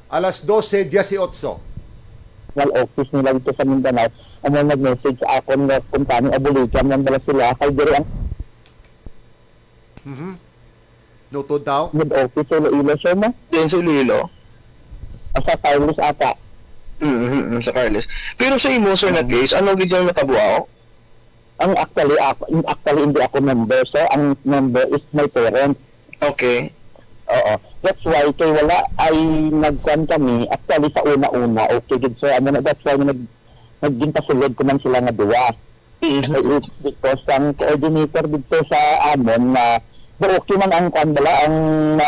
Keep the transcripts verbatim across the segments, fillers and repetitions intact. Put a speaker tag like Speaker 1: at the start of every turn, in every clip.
Speaker 1: alas dose dieciocho.
Speaker 2: Wal office nila dito sa Mindanao. Amo nag-message sa akon nga kung paano abulikan nang dala sila kay diri ang
Speaker 1: Mhm. Notod daw.
Speaker 2: head office sa Iloilo sir mo.
Speaker 3: Diyan sa Iloilo.
Speaker 2: Asa Carlos ata.
Speaker 3: Mm-hmm, sa Carlos. Pero sa imo, sir, na case, ano gid yung natabuao?
Speaker 2: Ang actually ako, actually hindi ako member sir. Ang member is my parents.
Speaker 3: Okay.
Speaker 2: Oo. That's why kay wala ay nagkuhan kami actually sa una-una okay good sir. Ano na that's why nag naging pasulod ko man sila nga duwa.
Speaker 3: Mm-hmm.
Speaker 2: Because ang coordinator dito sa amon na pero okay man ang kuhan bala ang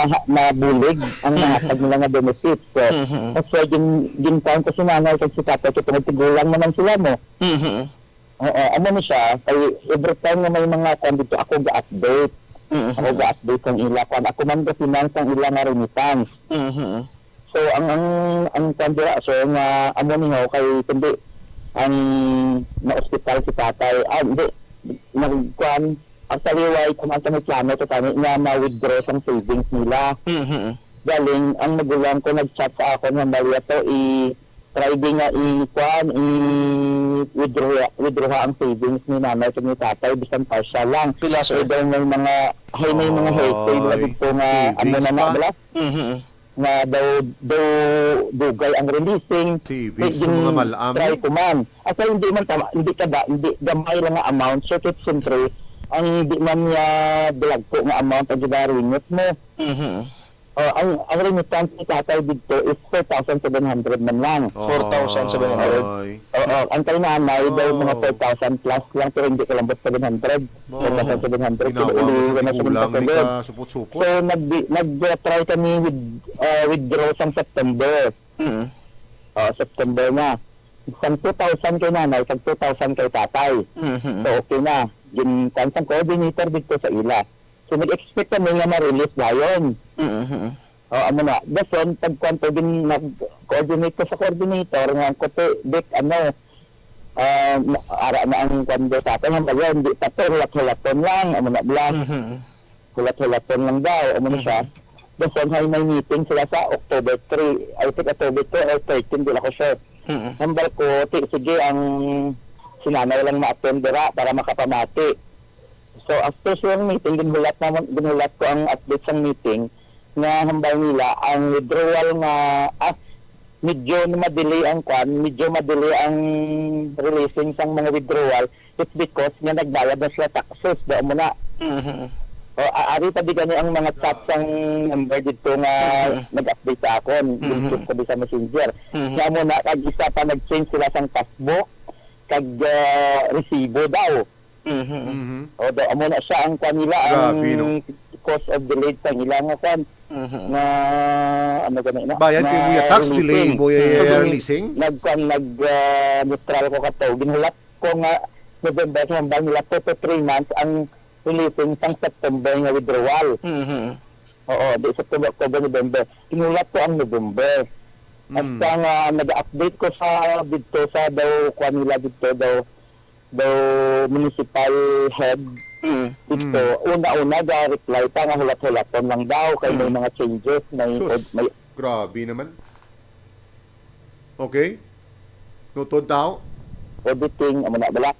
Speaker 2: nabulig ang nahatag nila nga benefits. So,
Speaker 3: Mm-hmm.
Speaker 2: that's why gin ginkuhan ko si nanay kay si tatay kay tigulang naman sila mo.
Speaker 3: Mm-hmm.
Speaker 2: Oo, ano na siya kay every time nga may mga kuhan dito ako ga-update.
Speaker 3: Mm-hmm.
Speaker 2: Ako ga-update ang ila kuhan. Ako man ga finance ang ila nga remittance.
Speaker 3: Mm-hmm.
Speaker 2: So ang ang ang kandira so nga amo ni ho kay kundi ang na ospital si tatay ah hindi nagkuan actually why kumanta ng plano to kami nga ma-withdraw ang savings nila.
Speaker 3: Mm-hmm.
Speaker 2: Galing ang magulang ko nag-chat sa ako nga bali to i try din nga i kuan i withdraw withdraw ang savings ni nanay at ni tatay bisan partial lang.
Speaker 3: Pila,
Speaker 2: So
Speaker 3: sir?
Speaker 2: daw may mga hay may mga health na
Speaker 1: Ay,
Speaker 2: dito nga ano
Speaker 1: savings
Speaker 2: na na
Speaker 1: pa?
Speaker 2: bala
Speaker 3: Mm-hmm.
Speaker 2: nga daw daw dugay ang releasing
Speaker 1: Savings sa mga malam.
Speaker 2: try ko man at hindi man tama hindi ka ba hindi gamay lang nga amount so kit siyempre ang hindi man niya bilag ko nga amount ang ginarinit mo
Speaker 3: Mm-hmm.
Speaker 2: uh, ang ang remittance ni tatay dito is four thousand seven hundred man lang
Speaker 3: four thousand seven hundred.
Speaker 1: Ay.
Speaker 2: oo ang kay nanay daw
Speaker 1: Oh.
Speaker 2: mga four thousand plus lang pero hindi ko lang seven hundred
Speaker 1: Oh.
Speaker 2: four thousand seven hundred
Speaker 1: Ginawa mo sa tigulang, hindi ka supot-supot.
Speaker 2: so nag nag-try kami with uh, withdraw sa September.
Speaker 3: Mm-hmm.
Speaker 2: Uh, September na. Sa two thousand kay nanay, sa two thousand kay tatay.
Speaker 3: Mm-hmm.
Speaker 2: So okay na. Yung kansang coordinator dito sa ila. So nag-expect kami nga ma-release na yun.
Speaker 3: Mm-hmm.
Speaker 2: Uh, ano na, dason, pagkwanto din nag-coordinate ko sa coordinator, nga ko to, Dick, ano, uh, ara na ang kwando sa atin, ang bagay, hindi pa to, hulat-hulaton lang, ano na, blang,
Speaker 3: Mm-hmm.
Speaker 2: hulat-hulaton lang daw, ano na siya. Dason, hay may meeting sila sa October three, I think October two or thirteen, di ako sure.
Speaker 3: Mm-hmm.
Speaker 2: Number ko, ti, sige, ang sinanay lang ma-attend dira para makapamati. So, after sa meeting, ginulat, naman, ginulat ko ang update sa meeting nga hambal nila ang withdrawal nga ah, medyo ma-delay ang kwan, medyo ma-delay ang releasing sang mga withdrawal. It's because nga nagbayad na sila taxes. Doon mo na.
Speaker 3: Mm-hmm.
Speaker 2: O, aari pa di gani ang mga chats ang number dito nga
Speaker 3: Mhm.
Speaker 2: nag-update sa akon.
Speaker 3: Mhm.
Speaker 2: Gusto ko di sa messenger.
Speaker 3: Mhm.
Speaker 2: Kaya mo na, kag isa pa nag-change sila sang passbook, kag uh, resibo daw.
Speaker 3: Mm-hmm.
Speaker 1: Mhm.
Speaker 2: O, daw mo na siya ang kanila, ang
Speaker 1: Grabe, no?
Speaker 2: cause of delay sa ilang nga kwan,
Speaker 3: Mm-hmm.
Speaker 2: na, ano gani na?
Speaker 1: Bayan
Speaker 2: na
Speaker 1: kay Muya tax delay,
Speaker 2: releasing.
Speaker 1: Muya
Speaker 2: So,
Speaker 1: releasing.
Speaker 2: Nag-kwan, nag-neutral ko ka to. Ginulat ko nga, November, hambal nila two to three months ang releasing sang September nga withdrawal.
Speaker 3: Mm-hmm.
Speaker 2: Oo, di September, October, November. Kinulat ko ang November. At
Speaker 1: Mm.
Speaker 2: sa nga nag-update ko sa dito sa daw kuha nila dito daw daw municipal head
Speaker 3: Mm-hmm.
Speaker 2: dito. Una-una ga reply pa nga hulat-hulaton lang daw kay may mga changes, may
Speaker 1: Sus.
Speaker 2: may
Speaker 1: Grabe naman. Okay? Notod daw?
Speaker 2: auditing, amo na bala.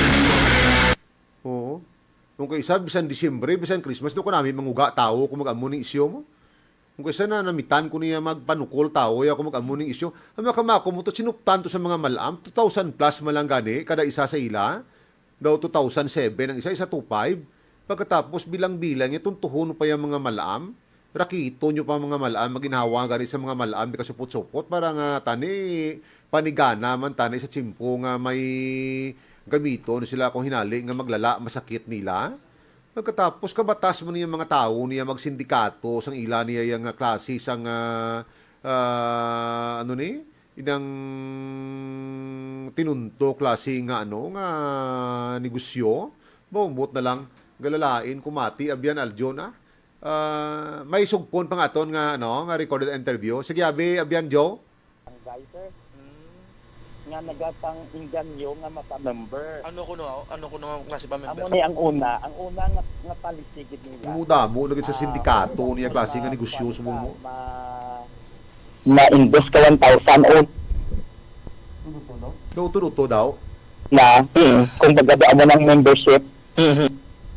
Speaker 1: Oo. Nung kaisa, bisan Disyembre, bisan Christmas, doon ko namin manguga tao kung mag-amo ng isyo mo. Kung kaisa na namitan ko niya magpanukol tao, ya kung mag-amo ng isyo. Ang mga kamako mo, to sinuptan to sa mga malam, two thousand plus malang gani, kada isa sa ila. Daw two thousand seven, ang isa, isa two thousand five. Pagkatapos bilang-bilang, itong tuhon pa yung mga malam. Rakito nyo pa mga malam, maginhawa gani sa mga malam, di ka supot-supot, para nga tani, panigana man tani sa chimpo nga may gamito na sila kung hinali nga maglala, masakit nila. Pagkatapos kabatas mo niya mga tao niya magsindikato sang ila niya yung klase sang uh, uh, ano ni inang tinunto klase nga ano nga negosyo. Bumot na lang galalain kumati abyan aljo na. Uh, may sugpon pa nga ton nga ano nga recorded interview. Sige abi abyan Joe.
Speaker 2: Ang guy sir, nga nagatang inganyo nga mapa-member.
Speaker 3: Ano ko no? Ano ko no klase pa
Speaker 2: Amo
Speaker 3: member?
Speaker 2: ni ang una, ang una nga nga palisigid nila.
Speaker 1: Umuda mo nagit sa sindikato niya klase nga negosyo sumo mo.
Speaker 2: Ma ma-invest ka one thousand o
Speaker 1: Tuto-tuto daw.
Speaker 2: na
Speaker 3: Mm.
Speaker 2: kung baga mo ng membership,
Speaker 3: Mhm.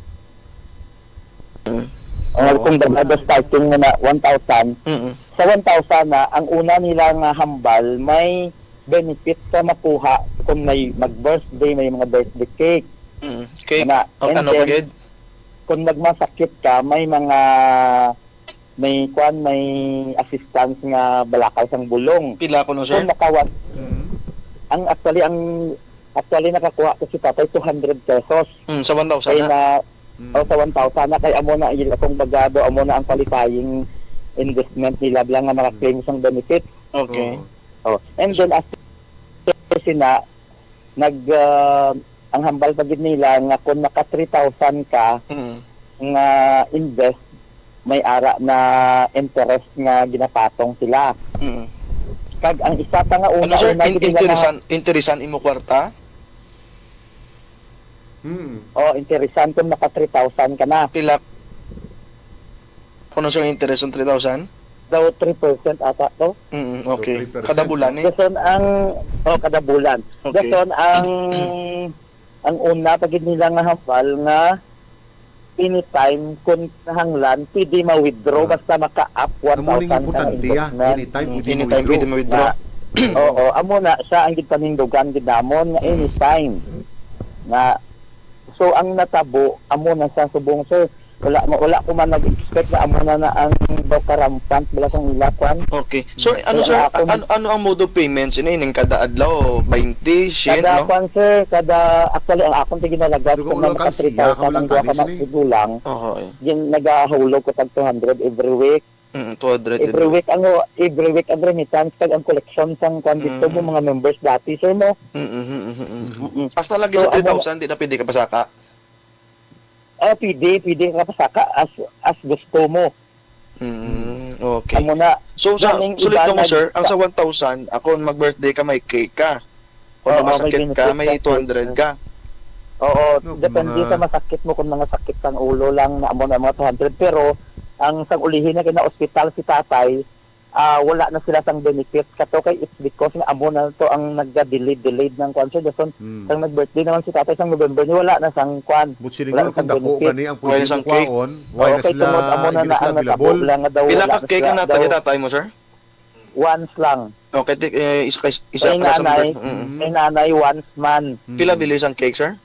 Speaker 2: o kung baga starting mo na one thousand,
Speaker 3: Mhm.
Speaker 2: sa one thousand na, ang una nilang uh, hambal, may benefit sa makuha kung may mag-birthday, may mga birthday cake.
Speaker 3: Mhm. Okay.
Speaker 2: Na,
Speaker 3: O,
Speaker 2: and
Speaker 3: ano
Speaker 2: then,
Speaker 3: pagid?
Speaker 2: kung nagmasakit ka, may mga may kwan, may assistance nga balakaw sang bulong.
Speaker 3: Pila ko no, sir?
Speaker 2: Kung nakawan,
Speaker 1: Mm.
Speaker 2: ang actually, ang actually nakakuha ko si tatay two hundred pesos.
Speaker 3: Mm, sa one thousand
Speaker 2: Kaya
Speaker 3: na.
Speaker 2: na,
Speaker 1: Mm.
Speaker 2: o sa one thousand na, kaya amo na, yun akong bagado, amo na ang qualifying investment nila lang nga maka-claim sang benefit.
Speaker 3: Okay.
Speaker 1: Oo.
Speaker 2: Oh. And then after sina, nag, uh, ang hambal pagid nila nga kung naka three thousand ka
Speaker 3: Mhm.
Speaker 2: nga invest, may ara na interest nga ginapatong sila.
Speaker 3: Mhm.
Speaker 2: Kag ang isa pa nga una,
Speaker 3: Ano, sir?
Speaker 2: una
Speaker 3: In-
Speaker 2: gid nila nga-
Speaker 3: interesan, interesan imo kwarta?
Speaker 1: Mm.
Speaker 2: oh, interesan kung naka three thousand ka na.
Speaker 3: Pila kuno, sir, interest on three thousand?
Speaker 2: Daw three percent ata to.
Speaker 3: Mhm. Okay.
Speaker 1: three percent.
Speaker 3: Kada bulan eh.
Speaker 2: Dason ang oh, kada bulan.
Speaker 3: Okay.
Speaker 2: Dason ang ang una pagid nila nga hambal nga anytime kung nahanglan pwede ma-withdraw
Speaker 1: Ah.
Speaker 2: basta maka-up one
Speaker 1: Amo ning
Speaker 2: thousand ka nga
Speaker 1: importante ya.
Speaker 2: investment.
Speaker 1: Anytime
Speaker 3: Mm,
Speaker 1: pwede mo
Speaker 3: anytime pwede mo withdraw.
Speaker 2: Na, oo, amo na siya ang gipanindugan gid namon nga anytime. Na so ang natabo amo na sa subong sir. Wala mo wala ko man nag-expect na amo na na ang bokarampant bala sang ilakwan.
Speaker 3: Okay. So, ano,
Speaker 2: Kaya
Speaker 3: sir?
Speaker 2: ako-
Speaker 3: Ano, ano ang mode of payments? Ano yun? Kada adlaw? twenty? Shit,
Speaker 2: Kada
Speaker 3: no?
Speaker 2: kwan sir, kada actually ang akong tiginalag
Speaker 1: Pero kung
Speaker 2: kung
Speaker 1: ulang
Speaker 2: naka
Speaker 1: kansiya,
Speaker 2: three thousand
Speaker 1: kawalang
Speaker 2: ang duha ka
Speaker 1: kanis, ni.
Speaker 2: magsudulang,
Speaker 3: Okay.
Speaker 2: yung nagahulog ko tag two hundred every week.
Speaker 3: Mm, two hundred.
Speaker 2: Every week ang every week ang remittance kag ang collection sang kwan dito
Speaker 3: Mm.
Speaker 2: mo mga members dati sir mo.
Speaker 3: Mm, mm, mm, mm, mm.
Speaker 2: Mm-mm.
Speaker 3: Hasta lagi
Speaker 2: So,
Speaker 3: sa
Speaker 2: ano-
Speaker 3: three thousand, di na pwede ka pasaka.
Speaker 2: Ah, pwede, pwede ka pasaka as as gusto mo.
Speaker 3: Mm, okay.
Speaker 2: Amo na.
Speaker 3: So, sa,
Speaker 2: Galing
Speaker 3: sulit
Speaker 2: iba
Speaker 3: ko mo,
Speaker 2: nag-
Speaker 3: sir, ang sa one thousand, ako mag-birthday ka, may cake ka. Kung
Speaker 2: Oo,
Speaker 3: masakit
Speaker 2: may
Speaker 3: ka,
Speaker 2: benefit
Speaker 3: may
Speaker 2: ka.
Speaker 3: two hundred ka.
Speaker 2: Oo,
Speaker 1: No, kung
Speaker 2: depende
Speaker 1: mga-
Speaker 2: sa masakit mo kung mga sakit kang ulo lang na amo na mga two hundred pero ang sang ulihin na kina ospital si tatay, ah wala na sila sang benefit kato kay it's because nga amo na to ang nagga-delayed delayed ng kwan so dason
Speaker 1: Mm.
Speaker 2: sang nag-birthday naman si tatay sang November ni wala na sang kwan.
Speaker 1: But
Speaker 2: Wala
Speaker 1: siguro
Speaker 2: na
Speaker 1: kung
Speaker 2: sang
Speaker 1: dako
Speaker 2: benefit.
Speaker 1: gani ang
Speaker 3: Wala
Speaker 1: pwede
Speaker 3: sang
Speaker 1: mo
Speaker 3: cake.
Speaker 1: kwaon, why na
Speaker 2: Okay,
Speaker 1: sila,
Speaker 2: tumod amo na
Speaker 1: hindi na
Speaker 2: na
Speaker 1: sila
Speaker 2: ang natabo
Speaker 1: available.
Speaker 2: lang nga daw
Speaker 3: Pila
Speaker 2: wala
Speaker 3: ka
Speaker 2: na
Speaker 3: cake
Speaker 2: sila
Speaker 3: ang
Speaker 2: daw
Speaker 3: natagay tatay mo, sir?
Speaker 2: once lang.
Speaker 3: Okay, tik, eh, isa, isa, isa
Speaker 2: Kay
Speaker 3: para sa
Speaker 2: nanay,
Speaker 3: birth- mm.
Speaker 1: Mm.
Speaker 2: kay nanay once man
Speaker 1: Mm.
Speaker 3: Pila bilis ang cake, sir?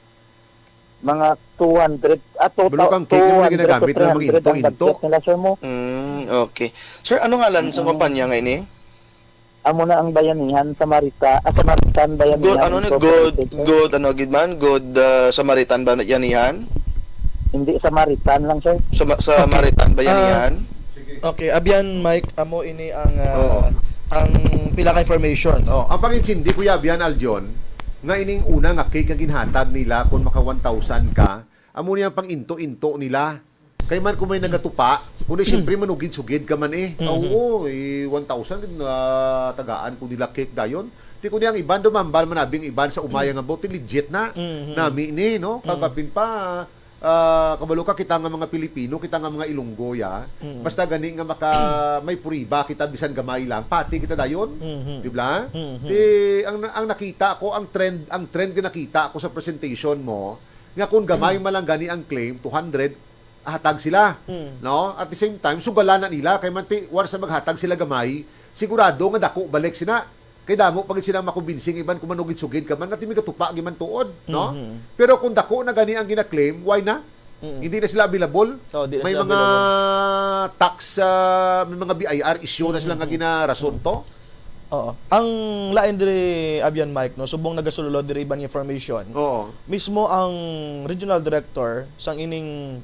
Speaker 2: mga two hundred at uh,
Speaker 1: Balo kang cake yung ginagamit na mga into-into.
Speaker 2: nila sir mo.
Speaker 3: Mm, okay. Sir, ano nga lang sa
Speaker 2: Mm.
Speaker 3: kumpanya ngayon eh?
Speaker 2: Amo na ang bayanihan sa Marita, ah, Samaritan bayanihan.
Speaker 3: Good, ano ni good,
Speaker 2: Incorporated.
Speaker 3: good, ano, good man? Good uh, Samaritan ba yan yan?
Speaker 2: Hindi Samaritan lang sir.
Speaker 3: Sa, sa Samaritan ba yan
Speaker 4: Ah,
Speaker 3: yan?
Speaker 4: Okay, abyan Mike, amo ini ang ah,
Speaker 1: Oo.
Speaker 4: ang pila ka information.
Speaker 1: Oh, ang pangintindi Kuya Bian Aljon, nga ining una nga cake nga ginhatag nila kung maka one thousand ka, amo niya pang into-into nila. Kay man kung may nagatupa, kundi siyempre manugid-sugid ka man eh.
Speaker 4: Mhm.
Speaker 1: Oo, eh, one thousand na tagaan kung nila cake dayon. Di kundi ang iban dumambal manabing iban sa umaya nga bote legit na.
Speaker 4: Mhm.
Speaker 1: Nami ni no, kagapin pa ah, kabalo ka kita nga mga Pilipino, kita nga mga Ilonggo ya.
Speaker 4: Mhm.
Speaker 1: Basta gani nga maka may puriba kita bisan gamay lang, pati kita dayon.
Speaker 4: Mhm.
Speaker 1: Di ba?
Speaker 4: Mhm.
Speaker 1: Di, ang, ang nakita ko, ang trend, ang trend na nakita ko sa presentation mo, nga kung gamay man lang gani ang claim, two hundred, hatag sila.
Speaker 4: Mm.
Speaker 1: No? At the same time, sugalan na nila, kay manti, once na maghatag sila gamay, sigurado nga dako balik sila. Kay damo pag sila makubinsing iban kung manugid-sugid ka man, nga timi katupa giman tuod. No?
Speaker 4: Mhm.
Speaker 1: Pero kung dako na gani ang gina-claim, why na?
Speaker 4: Mm.
Speaker 1: Hindi na sila available.
Speaker 4: Oh, di na
Speaker 1: May
Speaker 4: sila
Speaker 1: mga tax, ah, may mga B I R issue na sila nga ginarason to.
Speaker 4: Oo. Ang lain diri abyan Mike no, subong nagasulod diri ibang information.
Speaker 1: Oo.
Speaker 4: Mismo ang regional director sang ining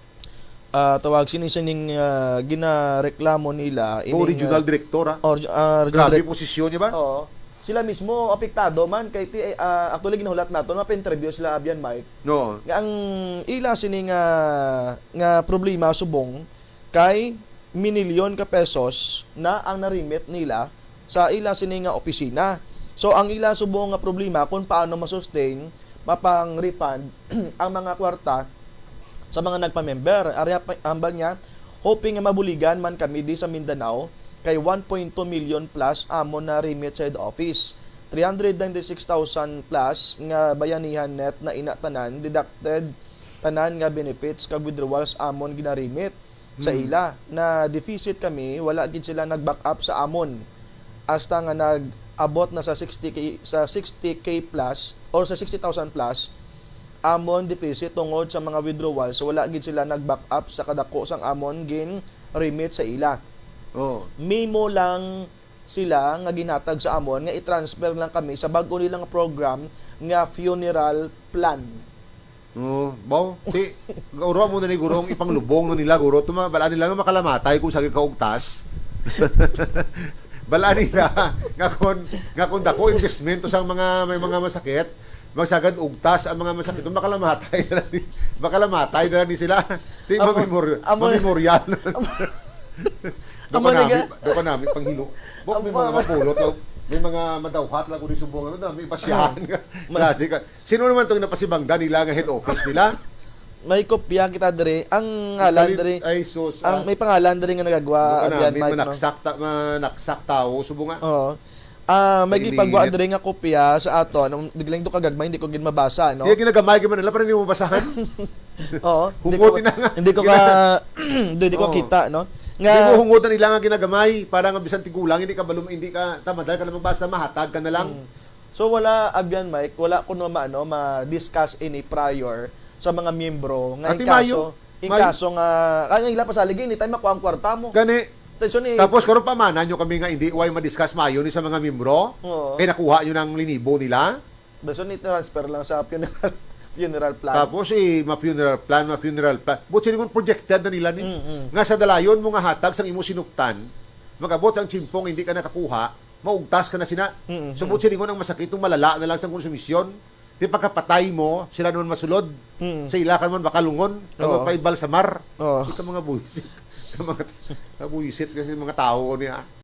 Speaker 4: ah, tawag sining sining uh, ginareklamo nila
Speaker 1: Go
Speaker 4: ining,
Speaker 1: regional
Speaker 4: ah,
Speaker 1: director ha.
Speaker 4: or, ah, regional
Speaker 1: Grabe
Speaker 4: direct-
Speaker 1: posisyon niya ba?
Speaker 4: Oo. Sila mismo apektado man kay ti uh, actually ginahulat nato mapa-interview sila abyan Mike.
Speaker 1: No.
Speaker 4: Nga ang ila sini nga nga problema subong kay minilyon ka pesos na ang narimit nila sa ila sini nga opisina. So ang ila subong nga problema kung paano masustain mapang refund ang mga kwarta sa mga nagpa-member. Arya pa- ambal niya hoping nga mabuligan man kami di sa Mindanao kay one point two million plus amon na remit sa head office. three hundred ninety-six thousand plus nga bayanihan net na inatanan deducted tanan nga benefits kag withdrawals amon ginarimit sa
Speaker 1: Hmm.
Speaker 4: ila na deficit kami wala gid sila nag-back up sa amon hasta nga nag-abot na sa sixty k sa sixty k plus or sa sixty thousand plus amon deficit tungod sa mga withdrawals wala gid sila nag-back up sa kadako sang amon gin remit sa ila.
Speaker 1: Oh.
Speaker 4: Memo lang sila nga ginatag sa amon nga i-transfer lang kami sa bag-o nilang program nga funeral plan.
Speaker 1: Oh, baw, si guro mo na ni gurong ipanglubong na nila guro tuma bala nila nga makalamatay kung sagi kaugtas. Bala nila nga kon nga kon dako investment to sa mga may mga masakit, magsagad ugtas ang mga masakit to makalamatay na ni makalamatay na ni sila. Di
Speaker 4: Amo-
Speaker 1: mamemor
Speaker 4: amo-
Speaker 1: memorial.
Speaker 4: Amo
Speaker 1: Doko namin,
Speaker 4: naga-
Speaker 1: doko namin panghilo. Bok may
Speaker 4: Amo-
Speaker 1: mga pulot law. May mga madawhat lang kung sumbong ano, may pasyahan ka. Klase ka. Sino naman tong napasibangda nila nga head office nila?
Speaker 4: May kopya kita dire ang ngalan dire
Speaker 1: Ay, sus.
Speaker 4: ang may pangalan dire nga nagagawa
Speaker 1: Baka
Speaker 4: abyan
Speaker 1: namin,
Speaker 4: Mike no.
Speaker 1: manaksak, ta, manaksak tao. Subo nga.
Speaker 4: Oo. Ah, may
Speaker 1: Painit.
Speaker 4: gipagwa dire nga kopya sa aton. Ang diglang to kagagmay hindi ko gin mabasa no.
Speaker 1: Kaya ginagamay ka man nila, parang hindi mo basahan.
Speaker 4: Oo. Hindi ko
Speaker 1: Hungutin na nga.
Speaker 4: hindi ko ka hindi ko
Speaker 1: Oo.
Speaker 4: kita no.
Speaker 1: Hindi
Speaker 4: Nga
Speaker 1: mo hungutan nila nga ginagamay. Para nga bisan tigulang, hindi ka balum, hindi ka tamadal ka na magbasa, mahatag ka na lang.
Speaker 4: So wala abyan Mike, wala kuno maano ma-discuss any prior sa mga miyembro nga in
Speaker 1: Ati
Speaker 4: kaso
Speaker 1: Mayo,
Speaker 4: in
Speaker 1: Mayo.
Speaker 4: kaso nga kanya ila pasaligin ni tayo makuha ang kwarta mo.
Speaker 1: Gani.
Speaker 4: Tension ni
Speaker 1: Tapos karon pa manan nyo kami nga hindi why ma-discuss mayo ni sa mga membro.
Speaker 4: Oo.
Speaker 1: Kaya nakuha nyo ng linibo nila.
Speaker 4: Tension ni transfer lang sa funeral funeral plan.
Speaker 1: Tapos eh, ma-funeral plan, ma-funeral plan. But sila kung projected na nila ni.
Speaker 4: Mm-mm.
Speaker 1: Nga sa dalayon mo nga hatag sang imo sinuktan, magabot ang chimpong hindi ka nakakuha, maugtas ka na sina.
Speaker 4: Mm-mm.
Speaker 1: So but sila ang masakit itong malala na lang sa konsumisyon. Di pagkapatay mo, sila naman masulod.
Speaker 4: Mm.
Speaker 1: Sa ila ka man makalungon,
Speaker 4: Oo.
Speaker 1: kag paibal sa mar.
Speaker 4: Oo.
Speaker 1: Ito mga buwisit. mga, mga buwisit kasi mga tao niya.